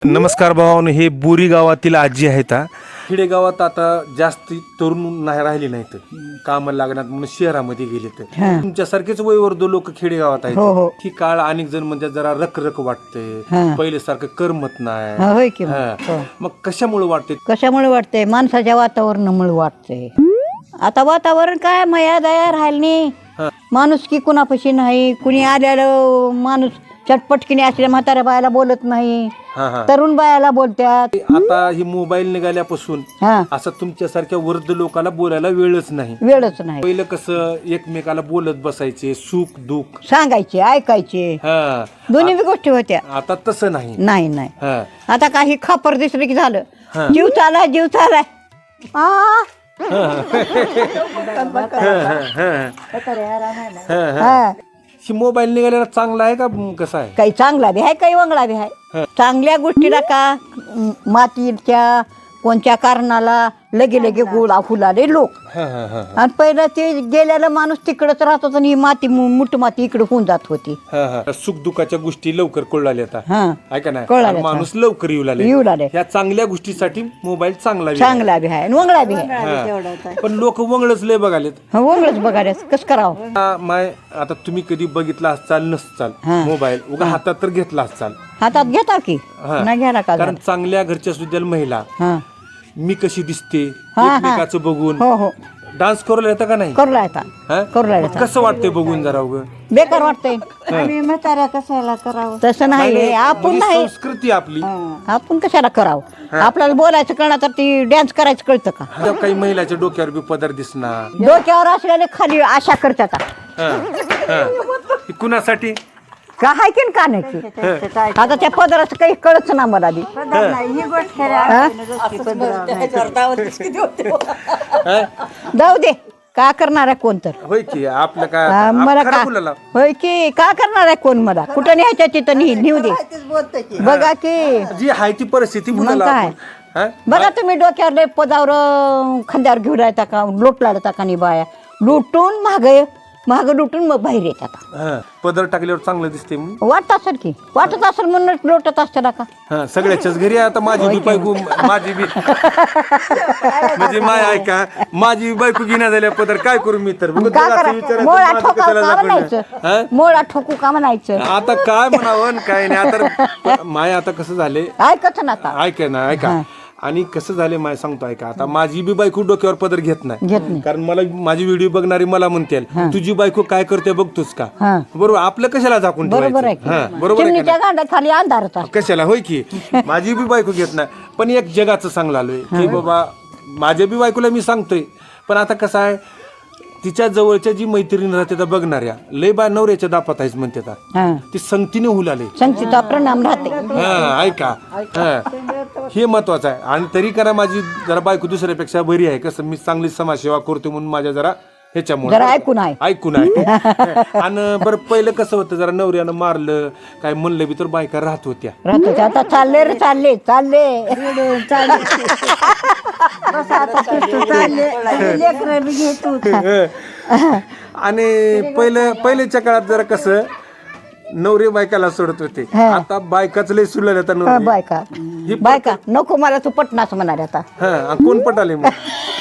नमस्कार भावानो, हे बोरी गावातील आजी आहेत. खेडेगावात आता जास्त तरुण नाही राहिले नाहीत, कामाला लागणार म्हणून शहरामध्ये गेले. तर तुमच्यासारखेच वयवर्ध लोक खेडेगावात आहेत. ही काळ अनेक जण म्हणजे जरा रखरख वाटते, पहिले सारखं करमत नाही. मग कशामुळे वाटते? कशामुळे वाटते? माणसाच्या वातावरणामुळे वाटते. आता वातावरण काय मया दया राहिली नाही, माणूस की कुणापाशी नाही. कुणी आलेलं माणूस चटपटकीने असल्या म्हाताऱ्या बायाला बोलत नाही, तरुण बायाला बोलतात. आता ही मोबाईल निघाल्यापासून असं तुमच्यासारख्या वृद्ध लोकांना बोलायला वेळच नाही. पहिलं कसं एकमेकाला बोलत बसायचे, सुख दुःख सांगायचे, ऐकायचे, दोन्ही गोष्टी होत्या. आता तसं नाही. नाही आता काही खापर दिसलं की झालं, जीव चालाय जीव चालाय. ही मोबाईल निघालेला चांगला आहे का कसा आहे? काही चांगला बी आहे, काही वंगळा बी आहे. चांगल्या गोष्टीला का मातीच्या कोणत्या कारणाला लगे लगे गोळा फुलाले लोक. आणि पहिलं ते गेलेला माणूस तिकडच राहत होता आणि ही माती मुठ माती इकडे होऊन जात होती. सुख दुःखाच्या गोष्टी लवकर कळल्या ऐका ना, माणूस लवकर येऊ लागले. ह्या चांगल्या गोष्टीसाठी मोबाईल चांगला बी आहे, वंगळा बी आहे. पण लोक वंगळच लय बघालेत. वंगळच बघायला कसं करावं? माय आता तुम्ही कधी बघितला असचाल नसचाल मोबाईल, उगा हातात तर घेतला असचाल. हातात घेता की नाही घ्यायला का? कारण चांगल्या घरच्या सुद्धा महिला मी कशी दिसते एकमेकाचं बघून डान्स करू येतं का नाही? कसं वाटतंय बघून जरा उग बेकार वाटतंय. कशाला करावं? तसं नाही, आपण नाही, संस्कृती आपली, आपण कशाला करावं? आपल्याला बोलायचं कळणार तर ती डान्स करायचं कळतं का? काही महिलाच्या डोक्यावर बी पदर दिसणार, डोक्यावर असलेले खाली आशा करतात. कुणासाठी का हाय की का नाही? आता त्या पदराचं काही कळच ना मला बी. जाऊ दे, का करणार आहे कोण? तर होय की आपलं काय मला का होय की का करणार आहे कोण? मला कुठं न्यायच्या तिथं नेऊ दे. बघा की जी आहे ती परिस्थिती काय बघा तुम्ही, डोक्यावर पदावर खांद्यावर घेऊन राहता का? लोट लाडता का? नाही बाया लुटून महाग लुटून मग बाहेर येतात. पदर टाकल्यावर चांगलं दिसते वाटत असेल की, वाटत असेल म्हणून लोटत असते ना का? सगळ्याच्याच घरी आता माझी बी बायको, माझी बी म्हणजे माय ऐका, माझी बी बायको घेण्या झाल्या पदर, काय करू मी? तर मोळा ठोकू का म्हणायचं? आता काय म्हणावं काय नाही. आता माय आता कसं झाले ऐकत ना, ऐका ना ऐका. आणि कसं झाले माय सांगतो ऐका, आता माझी बी बायको डोक्यावर पदर घेत नाही. कारण मला माझी व्हिडिओ बघणारी मला म्हणते तुझी बायको काय करते बघतोस का? बरोबर, आपलं कशाला झाकून ठेवायचं? बरोबर कशाला? होय की माझी बी बायको घेत नाही. पण एक जगाचं सांगलं आलोय की बाबा माझ्या बी बायकोला मी सांगतोय. पण आता कसं आहे, तिच्या जवळच्या जी मैत्रीण राहते त्या बघणाऱ्या लय बा नवऱ्याच्या दापात आहेच म्हणते, ती संगतीने हुलाले, संगतीचा परिणाम राहते. ऐका हे महत्वाचं आहे. आणि तरी करा माझी जरा बायको दुसऱ्यापेक्षा बरी आहे. कसं मी चांगली समाजसेवा करतो म्हणून माझ्या जरा ह्याच्यामुळे ऐकून आहे. आणि बरं पहिलं कसं होतं, जरा नवऱ्यानं मारलं काय म्हणलं बी तर बायका राहत होत्या. आता चालले रे चालले आणि पहिल्याच्या काळात जरा कसं नवरे बायकाला सोडत होते. आता बायकाच लय सुरलेलं आता. बायका नको मला तू पटनाच म्हणाल आता. कोण पटाले मग?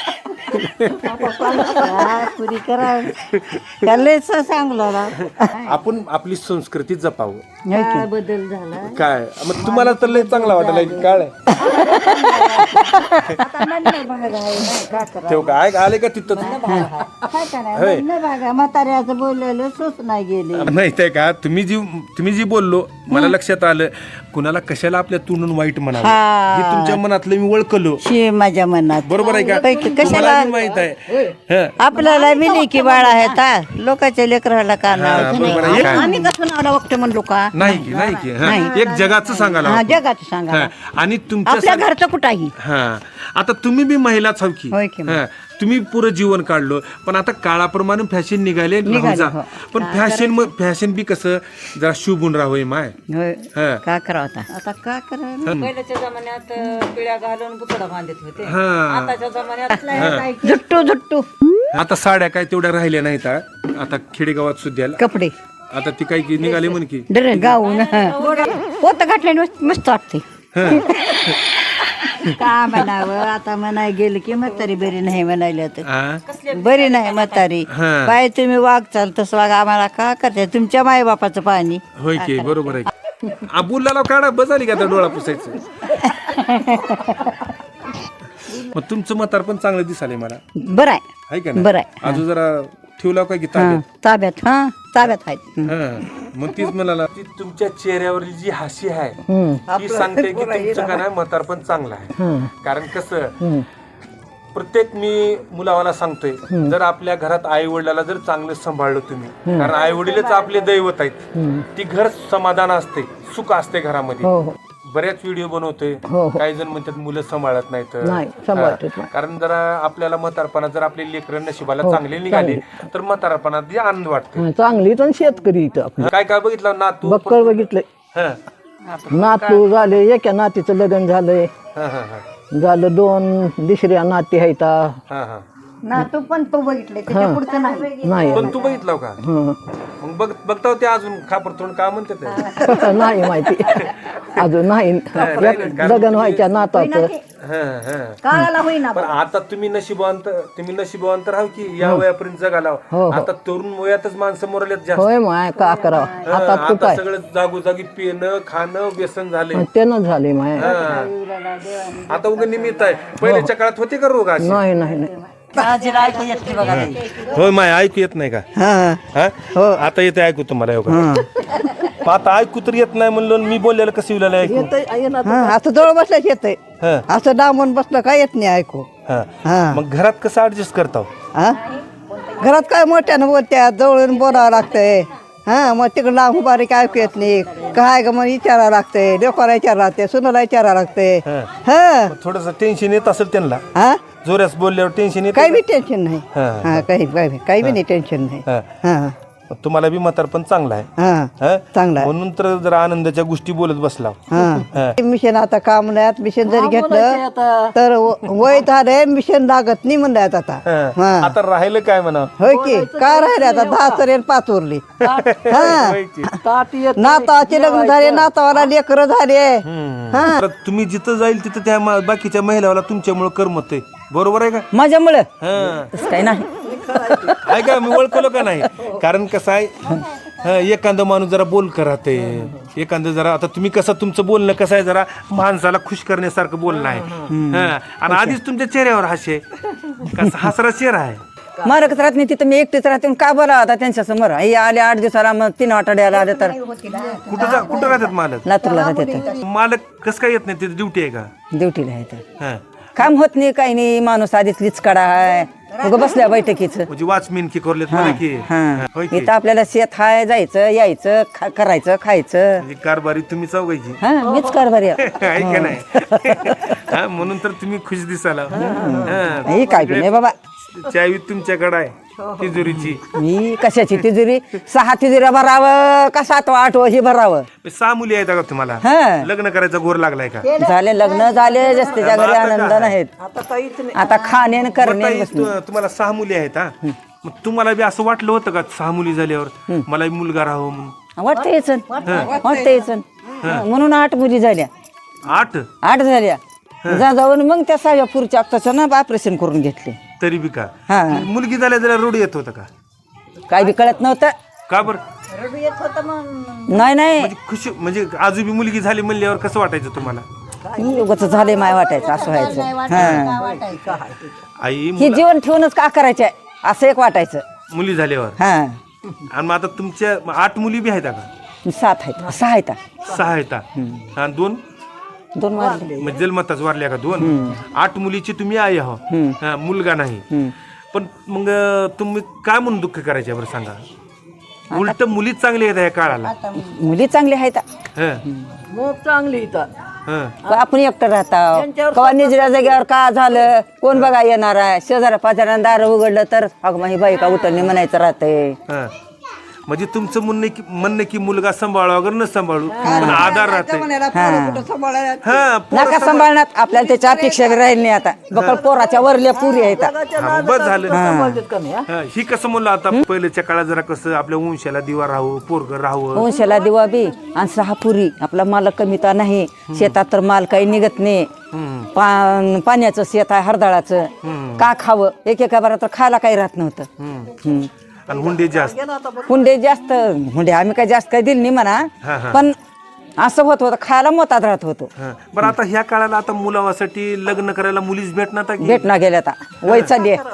आपण आपली संस्कृती जपावं. बदल झाला काय मग तुम्हाला तर लय चांगला वाटायला की काळ ठेव का आले का तिथं? म्हाताऱ्याचं बोललेलं सोच नाही गेले नाही ते का? तुम्ही जी बोललो मला लक्षात आलं, कुणाला कशाला आपल्या तोंडून वाईट म्हणावं हे तुमच्या मनातलं मी ओळखलो. माझ्या मनात बरोबर आहे का? कशाला माहित आहे आपल्याला मिली की बाळा आहेत लोकांच्या लेकराला का नाव? आम्ही कसं नावला बघतो म्हणलो का? नाही की एक जगाचं सांगायला, जगाचं सांगा. आणि तुमच्या घरचं कुठाही. आता तुम्ही बी महिलाच हव की, तुम्ही पुरं जीवन काढलो. पण आता काळाप्रमाणे फॅशन निघाले. पण फॅशन बी कसं जरा शुभून राहावं माय. का करावं आता का करावं? पहिल्याच्या जमान्यात पिळ्या घालून बुचडा बांधत होते. आताच्या जमान्यात झुट्टू आता साड्या काय तेवढ्या राहिल्या नाहीत. आता खेडेगावात सुद्धा कपडे आता ती काय निघाले म्हण की गाऊन पोत घातल्याने मस्त वाटते. का म्हणावं आता म्हणाय गेलं की म्हातारी बरी नाही म्हणायला तर हा? बरी नाही म्हातारी हा. पाय तुम्ही वागचाल तसं वाग आम्हाला का करते तुमच्या मायबापाचं पाणी होय की बरोबर आहे. अबुल्लाला काढा बसाली का आता डोळा पुसायचं. मग तुमचं म्हातार पण चांगलं दिसाले मला, बरं आहे आहे का बरं नाही? आहे अजून जरा ठेवला काय की ताब्यात ताब्यात आहेत मग तीच म्हणाला ती तुमच्या चेहऱ्यावरली जी हाशी आहे ती सांगते की तुमचं का नाही म्हातार पण चांगलं आहे. कारण कसं प्रत्येक मी मुलावाला सांगतोय, जर आपल्या घरात आई वडिलाला जर चांगलं सांभाळलं तुम्ही, कारण आई वडीलच आपले दैवत आहेत, ती घर समाधान असते, सुख असते घरामध्ये. बऱ्याच व्हिडिओ बनवतोय, काही जण म्हणतात मुलं सांभाळत नाहीत. कारण जरा आपल्याला म्हातारपणात जर आपले लेकरं नशिबाला चांगले निघाले तर म्हातारपणात आनंद वाटतो. चांगली पण शेतकरी इथं आपलं. काय काय बघितलं नातू बक्कळ बघितलंय, नातू झाले, एका नातीचं लग्न झालंय, झालं 2 दुसऱ्या नाती आहेत. ना तू पण तो बघितले त्याच्या पुढचं नाही पण तू बघितलं का? मग बघता ते अजून खापर तोंड का म्हणतात नाही माहिती अजून नाही. लग्न व्हायच्या नाताचं काळाला होईना पण आता तुम्ही नशिबवंत राहू की या वयापर्यंत जगाला. आता तरुण वयातच माणसं मोरल्यात जास्त. होय माय का करावं आता कुठं आता सगळं जागोजागी पिणं खाणं व्यसन झाले. त्यानं झाले माय. आता उगा निमित्त आहे, पहिल्याच्या काळात होते का रोग असे? नाही नाही नाही होय माय ऐकू येत नाही का? आता येते ऐकू तुम्हाला आता ऐकू तर येत नाही म्हणलं मी बोललेलं कसं येऊ ऐकू? असं जवळ बसल्याच येतंय, असं डांबून बसलं काय येत नाही ऐकू. मग घरात कसं ऍडजस्ट करता? घरात काय मोठ्यानं बोलत्या, जवळून बोलावं लागतंय. मग तिकडं लांब बारीक ऐकू येत नाही, काय ग मग विचारावं लागतंय, लेकराला विचारावं लागतंय, सुनाला विचारावं लागतंय. थोडस टेन्शन येत असेल त्यांना, जोऱ्यास बोलल्यावर टेन्शन येत. काही बी टेन्शन नाही, काही बी नाही टेन्शन नाही. तुम्हाला बी म्हातार पण चांगला आहे, चांगला म्हणून तर जरा आनंदाच्या गोष्टी बोलत बसला. मिशन आता काम नाही, मिशन जरी घेतलं तर वय झालंय, मिशन लागत नाही म्हणलं आता. आता राहिलं काय म्हणा? होय की काय राहिले आता 10 सरेन 5 उरली. नातावाचे लग्न झाले, नातावाला लेकरं झाले. तुम्ही जिथं जाईल तिथं त्या बाकीच्या महिलाला तुमच्यामुळे करमत आहे, बरोबर आहे का? माझ्यामुळे काही नाही आहे का? मी ओळखलो का नाही? कारण कसं आहे, एखादं माणूस जरा बोलकर राहते, एखादं जरा, आता तुम्ही कसं तुमचं बोलणं कसं आहे, जरा माणसाला खुश करण्यासारखं बोलणं आहे. आणि आधीच तुमच्या चेहऱ्यावर हास्य कसा हसरा चेहरा आहे. मारकच राहत नाही तिथं, मी एकटीच राहते, का बोला आता त्यांच्या समोर. हे आले 8 दिवसाला, मग 3 आठवड्याला आले तर कुठं राहतात मालक? लातूरला राहते. मालक कसं काय येत नाही? तिथे ड्युटी आहे का? ड्युटीला आहे, काम होत नाही, काही नाही, माणूस आधीच लिचकाडा आहे, बसल्या बैठकीच. म्हणजे वॉचमॅन की करलेत मला की इथं आपल्याला शेत हाय, जायचं यायचं, करायचं खायचं. म्हणजे कारभारी तुम्ही चौघायची मीच कारभारी आहे का नाही? म्हणून तर तुम्ही खुश दिसाला. काय बी नाही बाबा, चावी तुमच्याकडे आहे तिजोरीची. मी कशाची तिजोरी? 6 तिजोऱ्या भरावं का 7वा 8वं हे भरावं? 6 मुली आहेत का तुम्हाला? लग्न करायचा घोर लागलाय का? झाले लग्न झाले, जस्तीच्या घरी आनंद नाहीत, आता खाणे करणे. तुम्हाला 6 मुली आहेत. मग तुम्हाला बी असं वाटलं होतं का 6 मुली झाल्यावर मला मुलगा राहावं म्हणून? वाटतं म्हणून 8 मुली झाल्या. 8 झाल्या, जाऊन मग त्या 6व्या पुढच्या आत्ताचं ना ऑपरेशन करून घेतले. तरी बी का मुलगी झाल्या जरा रोड येत होतं का? काय बी कळत नव्हतं का बर? नाही खुशी म्हणजे आजूबी मुलगी झाली म्हणल्यावर कसं वाटायचं तुम्हाला? उगाच झाले माय वाटायचं, असं व्हायचं. आई हे जीवन ठेवूनच का करायचंय असं एक वाटायचं मुली झाल्यावर. आणि मग आता तुमच्या 8 मुली बी आहेत का? 7 आहेत, 6 आहेत. 6 आहेत आणि 2 वारले. म्हणजे जन्मताच वारल्या का 2? 8 मुलीची तुम्ही आई आहो, मुलगा नाही. पण मग तुम्ही काय म्हणून दुःख करायचे बरं सांगा? उलट मुलीच चांगली आहेत या काळाला. मुली चांगल्या आहेत, चांगली आपण एकटं राहता कवा निजऱ्या जाग्यावर का झालं, कोण बघा येणार आहे? शेजाऱ्या पाजाऱ्यानं दार उघडलं तर अगं ही बाई का उतरणी म्हणायचं राहतंय. म्हणजे तुमचं म्हणणं की मुलगा सांभाळा वगैरे न सांभाळू पण आधार राहते हा नका सांभाळणार आपल्याला त्याच्या अपेक्षा बी राहील नाही आता बकळ पोराच्या वरल्या पुरी आहेत हा, बस झालं हा, ही कसं म्हणलं आता पहिल्याच्या काळात जरा कसं आपल्या वंशाला दिवा राहावं पोरग राहावं वंशाला दिवा बी आणि 6 पुरी आपला माल कमी तर नाही शेतात तर माल काही निघत नाही पाण्याचं शेत आहे हरदाळाचं का खावं एकेका बारा तर खायला काही राहत नव्हतं आणि हुंडे जास्त हुंडे जास्त हुंडे आम्ही काही जास्त काही दिले नाही म्हणा पण असं होत होतं खायला मोतात राहत होतो हा. बरं आता ह्या काळाला आता मुलावासाठी लग्न करायला मुलीच भेटणार आता की भेटना गेल्या आता वय चालली आहे.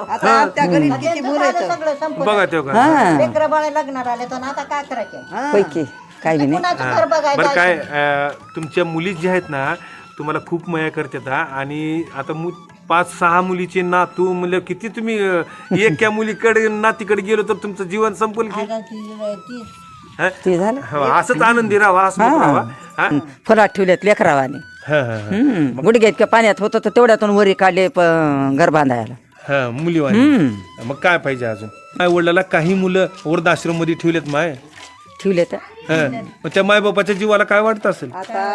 बघा तेव्हा लेकरं बाळ लग्नाला आले तर आता काय करायचं पैकी काही बी नाही कुणाचं घर बघायचं बरं काय तुमच्या मुली ज्या आहेत ना तुम्हाला खूप माया करतात हा. आणि आता 5-6 मुलीचे नातू म्हणजे किती तुम्ही एका मुलीकडे नातीकडे गेलो तर तुमचं जीवन संपेल की हा? ते झालं हो, असंच आनंदी राहा असं राहावा हा? फुलात ठेवल्यात लेकरावाने हा, हा, हा. गुडघ्या इतक्या पाण्यात होतं तर तेवढ्यातून वरी काढले घर बांधायला हा मुलीवाणी मग काय पाहिजे अजून माय वडिलाला काही मुलं वृद्धाश्रम मध्ये ठेवलेत माय ठेवले तर हा. मग त्या मायबापाच्या जीवाला काय वाटत असेल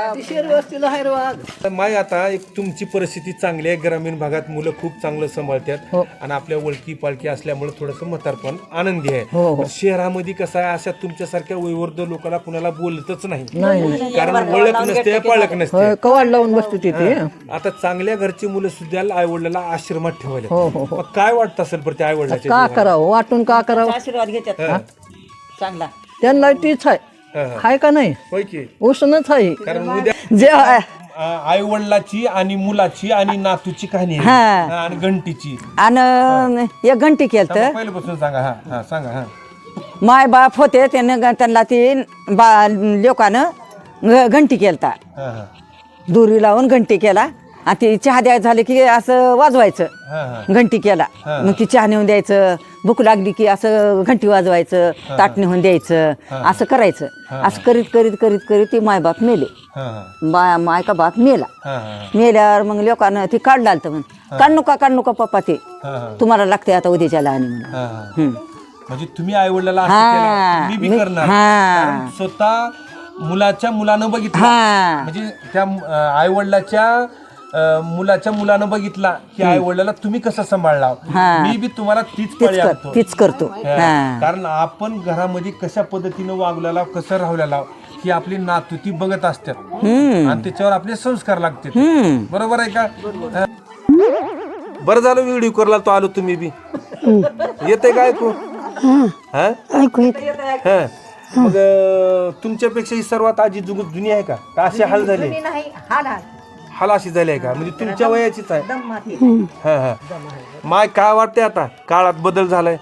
माय आता एक तुमची परिस्थिती चांगली आहे ग्रामीण भागात मुलं खूप चांगलं सांभाळतात आणि आपल्या ओळखी पालखी असल्यामुळे थोडस म्हातारपण आनंदी आहे पण शहरामध्ये कसं आहे अशा तुमच्यासारख्या वयोवृद्ध लोकांना कुणाला बोलतच नाही कारण ओळख नसते पाळख नसते कवाड लावून बसतो तिथे आता चांगल्या घरची मुलं सुद्धा आई वडिलांना आश्रमात ठेवायला मग काय वाटत असेल पण त्या आई वडिलाच्या का करावं वाटून का करावं आशीर्वाद घेतात चांगला त्यांना तीच आहे हाय का नाही होय की उष्णच आहे कारण उद्या जे आई वडिलाची आणि मुलाची आणि नातूची कहाणी आहे. हा, आणि घंटीची आणि एक घंटी केलं तर पहिल्यापासून सांगा हा हा सांगा हा माय बाप होते त्यानं त्यांना ती लोकांनं घंटी केलता हा हा दोरी लावून घंटी केला आणि ती चहा द्यायचं झालं की असं वाजवायचं हा हा घंटी केला मग ती चहा नेऊन द्यायचं भूक लागली की असं घंटी वाजवायचं ताट नेऊन द्यायचं असं करायचं असं करीत करीत करीत करीत ती मायबाप मेले हा माय का बाप मेला हा हा मेल्यावर मग लोकांना ती काढलं आलं म्हण काढ नका पप्पा ते हा तुम्हाला लागते आता उद्याच्याला आणि म्हणून हा हा म्हणजे तुम्ही आई वडिलाला असं केलं, मी बी करणार कारण स्वतः मुलाच्या मुलानं बघितलं म्हणजे त्या आई वडिलाच्या मुलाच्या मुलानं बघितला की आई वडिलाला तुम्ही कसं सांभाळला मी बी तुम्हाला तीच पाळी आणतो तीच करतो कारण आपण घरामध्ये कशा पद्धतीनं वागलेला कसं राहलेला ही आपली नातू ती बघत असतात आणि त्याच्यावर आपले संस्कार लागतात बरोबर आहे का बरं झालं व्हिडिओ करला तो आलो तुम्ही बी येते का ऐकू हा मग तुमच्यापेक्षा ही सर्वात आजी जुगत जुनी आहे का अशी हाल झाली हाल अशी झाली आहे का म्हणजे तुमच्या वयाचीच आहे हा हा माय काय वाटते आता काळात बदल झालाय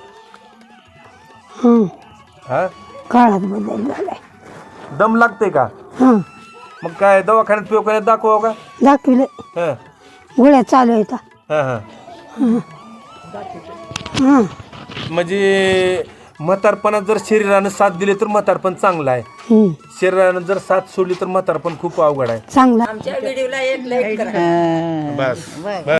हा काळात बदल झालाय दम लागते का मग काय दवाखान्यात पिवखान्यात दाखवा का दाखविले हा गोळ्या चालू आहेत हा हा म्हणजे म्हातारपणात जर शरीरानं साथ दिली तर म्हातारपण चांगलं आहे शरीरानं जर साथ सोडली तर म्हातारपण खूप अवघड आहे चांगला आमच्या व्हिडिओला एक लाईक करा बस